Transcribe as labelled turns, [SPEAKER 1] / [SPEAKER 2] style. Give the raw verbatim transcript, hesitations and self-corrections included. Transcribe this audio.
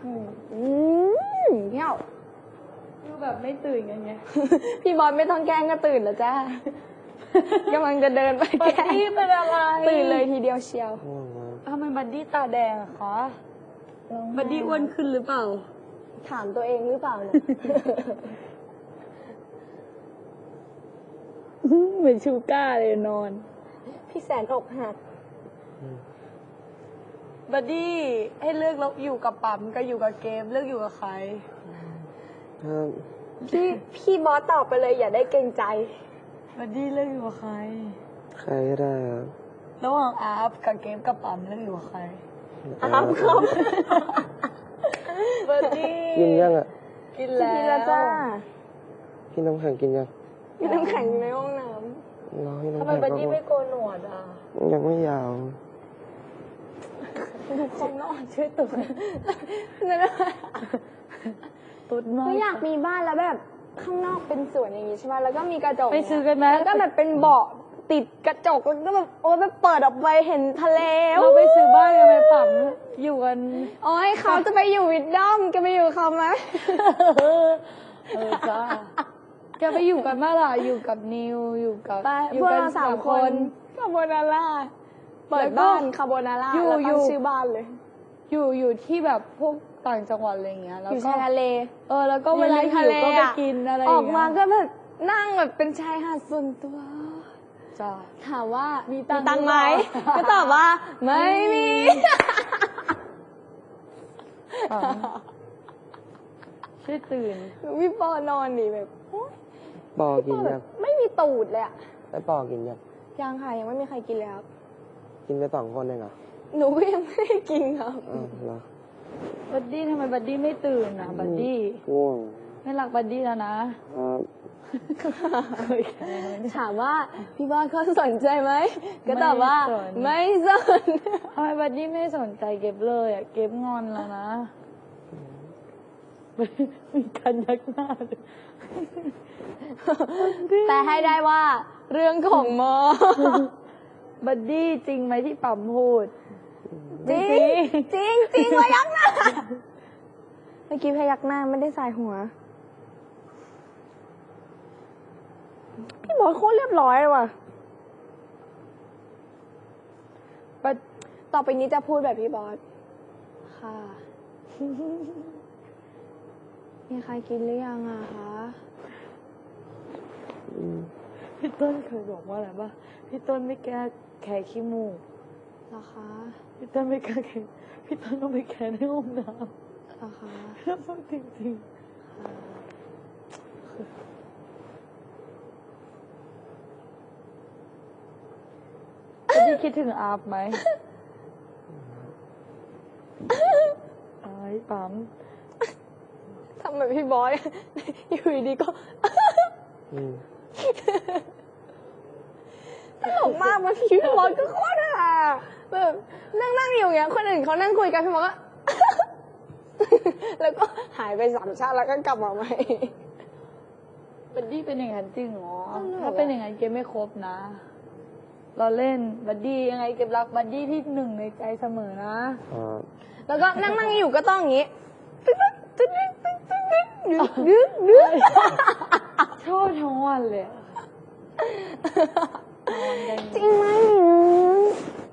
[SPEAKER 1] อืมเที่ยว
[SPEAKER 2] ดูแบบไม่ตื่นกันไง
[SPEAKER 1] พี่บอลไม่ต้องแกล้งก็ตื่นแล้วจ้ากำลังจะเดินไป
[SPEAKER 2] บั
[SPEAKER 1] แก
[SPEAKER 2] ด
[SPEAKER 1] ล้ง
[SPEAKER 2] ดี้เป็นอะไร
[SPEAKER 1] ตื่นเลยทีเดียวเชียว
[SPEAKER 3] ง่วงมาก
[SPEAKER 2] ทำไมบัดดี้ตาแดงอะคะบัดดี้อ้วนขึ้นหรือเปล่า
[SPEAKER 1] ถามตัวเองหรือเปล่าเนี่ย
[SPEAKER 2] เหมือนชูก้าเลยนอน
[SPEAKER 1] พี่แสนอกหัก
[SPEAKER 2] บัดดี้ให้เลือกแล้วอยู่กับปั๊มก็อยู่กับเกมเลือกอยู่กับใคร
[SPEAKER 3] ถ้า
[SPEAKER 1] พี่พี่บอสตอบไปเลยอย่าได้เกรงใจ
[SPEAKER 2] บัดดี้เลือกอยู่กับใคร
[SPEAKER 3] ใครก็ได้ครับ
[SPEAKER 2] ระหว่างอาร์ฟกับเกมกับปั๊มเลือกอยู่กับใคร
[SPEAKER 1] อาร์ฟครับ
[SPEAKER 2] บัดดี้
[SPEAKER 3] กินยังอ่ะ
[SPEAKER 2] กินแล้ว
[SPEAKER 1] พี่ละจ้า
[SPEAKER 3] พี่น้ำแข็งกินยัง
[SPEAKER 1] พี่น้ำแข็งอยู่ในห้องน้
[SPEAKER 3] รอพี่น้ำ
[SPEAKER 2] ทำไม
[SPEAKER 3] แข็ง
[SPEAKER 2] บัด
[SPEAKER 3] ก็
[SPEAKER 2] ดี้ไม่โกนหนวดอ่ะ
[SPEAKER 3] ยังไม่ยาว
[SPEAKER 1] ำดูเขานอนชื่อตุ๊ดนั่นแหละ
[SPEAKER 2] ตุ๊ดมาก
[SPEAKER 1] ก็อยากมีบ้านแล้วแบบข้างนอกเป็นสวนอย่างงี้ใช่ไหมแล้วก็มีกระจก
[SPEAKER 2] ไปซื้อกันไหม
[SPEAKER 1] แล้วก็แบบเป็นเบาะติดกระจกแล้วก็แบบโอ้ยแบบเปิดออกไปเห็นทะเล
[SPEAKER 2] เราไปซื้อบ้านกันไหมปั๊มอยู่กัน
[SPEAKER 1] โอ้ยเขาจะไปอยู่วิดดอมจะไปอยู่เขาไหม
[SPEAKER 2] เออจ้าแกไปอยู่กันเมื่อไหร่อยู่กับนิวอยู่กับ
[SPEAKER 1] ไป
[SPEAKER 2] อยู่
[SPEAKER 1] พวก
[SPEAKER 2] กั
[SPEAKER 1] เราสามคนคาโบนาร่าเปิดบ้านคาโบนาร่า
[SPEAKER 2] อยู่
[SPEAKER 1] แล้ว
[SPEAKER 2] อยู่
[SPEAKER 1] ตั้งชื่อบ้านเลย
[SPEAKER 2] อยู่อยู่ที่แบบพวกต่างจังหวัดอะไรอย่างเงี้ยแล้ว
[SPEAKER 1] อยู่
[SPEAKER 2] ก็
[SPEAKER 1] ชายทะเล
[SPEAKER 2] เออแล้วก็เวลา
[SPEAKER 1] อยู่
[SPEAKER 2] หิวก็ไปกินอะไรอ
[SPEAKER 1] ออย่าง ก
[SPEAKER 2] เงี้ย
[SPEAKER 1] มาก็แบบนั่งแบบเป็นชายหาดส่วนตัว
[SPEAKER 2] จ้า
[SPEAKER 1] ถามว่า
[SPEAKER 2] มี
[SPEAKER 1] มี
[SPEAKER 2] ตังค์
[SPEAKER 1] ตังค์ไหม
[SPEAKER 2] หรือเปล่า
[SPEAKER 1] ก็ตอบว่า ไม่มี
[SPEAKER 2] ช่วยตื่น
[SPEAKER 1] พี่ปอนอนดิแบบโอ๊ย
[SPEAKER 3] ปอกิน
[SPEAKER 1] แบ
[SPEAKER 3] ยัง
[SPEAKER 1] บไม่มีตูดเลยอะ
[SPEAKER 3] ไอ้ปอกินยัง
[SPEAKER 1] ยังค่ะยังไม่มีใครกินเลยครับ
[SPEAKER 3] กินไปสองคนเองเหรอ
[SPEAKER 1] หนูก็ยังไม่ได้กินครับ
[SPEAKER 3] อ้าวเหรอ
[SPEAKER 2] บัดดี้ทำไมบัดดี้ไม่ตื่นอ่ะบัดดี้
[SPEAKER 3] ง่วง
[SPEAKER 2] ไม่รักบัดดี้แล้วนะครับ เคยแค่ไหน
[SPEAKER 1] ถามว่าพี่บอลเขาสนใจไหมก็ตอบว่า ไม่สน
[SPEAKER 2] ทำไมบัดดี้ไม่สนใจเก็บเลยอ่ะเก็บงอนแล้วนะมีการยักหน้าเลย
[SPEAKER 1] แต่ให้ได้ว่าเรื่องของมอ
[SPEAKER 2] บัดดี้จริงไหมที่ปั๊มพูด
[SPEAKER 1] จริงจริงจริงพยักหน้าเมื่อกี้พยักหน้าไม่ได้สายหัว พี่บอสโคตรเรียบร้อยเลยว่ะ
[SPEAKER 2] บัด
[SPEAKER 1] ต่อไปนี้จะพูดแบบพี่บอสค่ะ มีใครกินหรือยังอะคะ
[SPEAKER 3] อืม
[SPEAKER 2] พี่ต้นเคยบอกว่าอะไรป่ะพี่ต้นไม่แก้แขกขี้มูก
[SPEAKER 1] เหรอคะ
[SPEAKER 2] พี่ต้นไม่แก้แขกพี่ต้นต้องไปแก้ในห้องน้
[SPEAKER 1] เหรอคะ
[SPEAKER 2] ำต้องจริงๆบัดดี้คิดถึงอาบไหมไอ้ปั๊ม
[SPEAKER 1] ทำแบบพี่บอส อยู่ดีๆก็
[SPEAKER 3] อืม
[SPEAKER 1] ตลกมากบางทีพี่บอสก็โคตรฮาแบบนั่งนั่งอยู่อย่างเงี้ยคนอื่นเขานั่งคุยกันพี่บอสก็ แล้วก็หายไปสามชาติแล้วก็กลับมาใหม่
[SPEAKER 2] บัดดี้เป็นอย่างนั้นจริงเหรอ
[SPEAKER 1] ตลกอะ
[SPEAKER 2] ถ้าเป็นอย่างนั้นเกมไม่ครบนะ เราเล่นบัดดี้ยังไงเก็บรักบัดดี้ที่หนึ่งในใจเสมอนะ
[SPEAKER 3] ครับ
[SPEAKER 1] แล้วก็นั่งนั่งอยู่ก็ต้องอย่างงี้ตึ๊ดตึ๊ดตึ๊ดตึ๊ดตึ๊ดตึ๊ดดึ๊ดดึ๊ดดึ๊ด
[SPEAKER 2] ชอบทั้งวันเลยอะนอนกัน
[SPEAKER 1] จริงไหม